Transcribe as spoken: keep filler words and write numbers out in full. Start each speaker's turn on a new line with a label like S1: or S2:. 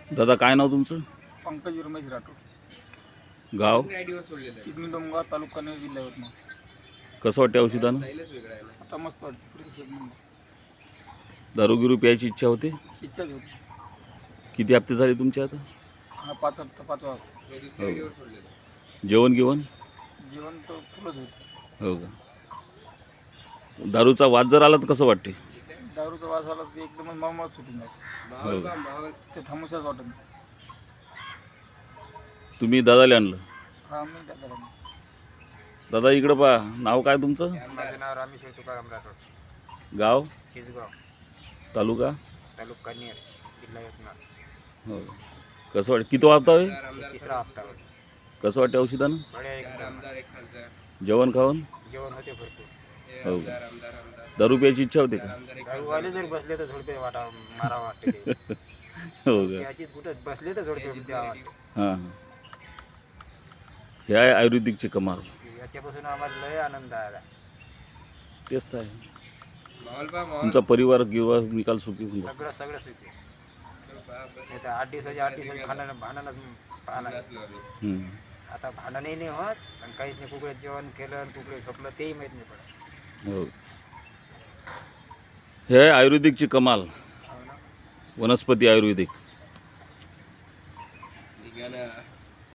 S1: दादा काय नाव तुमचं?
S2: पंकज रमेश राठोड,
S1: गाव?
S2: चिकनी डोंगराव, तालुका नगर, जिल्हा यवतमाळ.
S1: कसं वाटते औषधानं?
S2: आता मस्त वाटते, फ्रेश एक नंबर.
S1: दारू गिरू प्यायची इच्छा होते?
S2: इच्छाच होती.
S1: किती हप्ते झाले तुमचे आता?
S2: हा पाच हप्ता पाचवा हप्ता.
S1: हो. जेवण गिवण?
S2: जेवण तर फुलच होते.
S1: हो का? दारूचा वाद जर आला तर कसं वाटते?
S2: दारूचा वास आला तर एकदमच मळमळ सुटून जाते.
S1: हो का?
S2: ते थांबूशाच वाटत नाही.
S1: तुम्ही दादाला आणलं?
S2: हा मी त्या घरात.
S1: दादा इकडं पहा, नाव काय तुमचं?
S3: माझं नाव रामेश्वर तुकाराम राठोड,
S1: गाव?
S3: चिसगाव,
S1: तालुका?
S3: तालुका नेर, जिल्हा यवतमाळ.
S1: हो. कसं वाटतं? किती हप्ता आहे?
S3: हे तिसरा हप्ता होता.
S1: कसं वाटते औषधानं?
S3: बढिया एकदम.
S1: जेवण खावण?
S3: जेवण होते भरपूर.
S1: हो का? दारू प्यायची इच्छा होते का?
S3: दारूवाले जर बसले तर झोडपे वाटा मारा वाटते ते.
S1: हो का?
S3: याचीच कुठं बसले तर झोडपे द्यावं वाटते.
S1: हां हां. हे आहे आयुर्वेदिकची कमाल.
S3: याच्यापासून आम्हाला लय आनंद आला.
S1: तेच तर आहे. तुमचा परिवार गिरवा निकाल सुखी होऊन जातो.
S3: सगळं सगळं सुखी. नाही तर आठ दिवसाचे आठ दिवसाचे भांडण भांडणच पाहला.
S1: हम्म.
S3: आता भांडणही नाही होत आणि काहीच नाही. कुकडे जेवण केलं आणि कुकडे झोपलं तेही माहीत नाही पडत.
S1: हो. हे आहे आयुर्वेदिकची कमाल.
S3: हो ना.
S1: वनस्पती आयुर्वेदिक.